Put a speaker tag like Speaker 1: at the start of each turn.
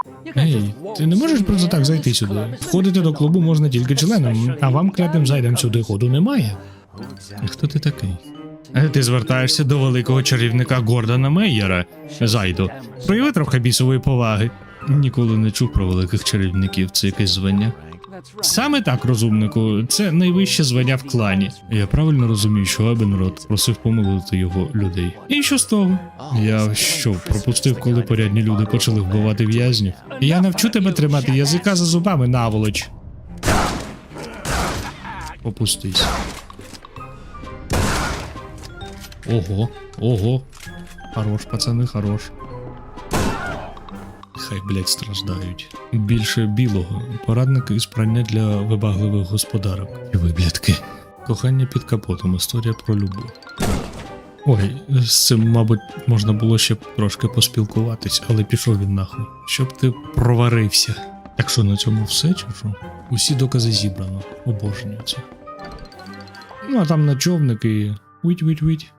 Speaker 1: Ей, ти не можеш просто так зайти сюди? Входити до клубу можна тільки членам, а вам клятим зайдем сюди ходу немає. Хто ти такий? Ти звертаєшся до великого чарівника Гордона Мейєра. Зайду, прояви трохи бісової поваги. Ніколи не чув про великих чарівників, це якесь звання. Саме так, розумнику, це найвище звання в клані. Я правильно розумію, що Ебенрод просив помилувати його людей. І що з того? Я що, пропустив, коли порядні люди почали вбивати в'язнів? Я навчу тебе тримати язика за зубами, наволоч. Опустись. Ого, ого. Хорош, пацани, хорош. Хай, блять, страждають. Більше білого. Порадники із прання для вибагливих господарок. І виблядки. Кохання під капотом. Історія про любов. Ой, з цим, мабуть, можна було ще трошки поспілкуватись, але пішов він нахуй. Щоб ти проварився. Так що, на цьому все, чи що? Усі докази зібрано. Обожнюю це. Ну, а там на човник і... Вить-вить-вить.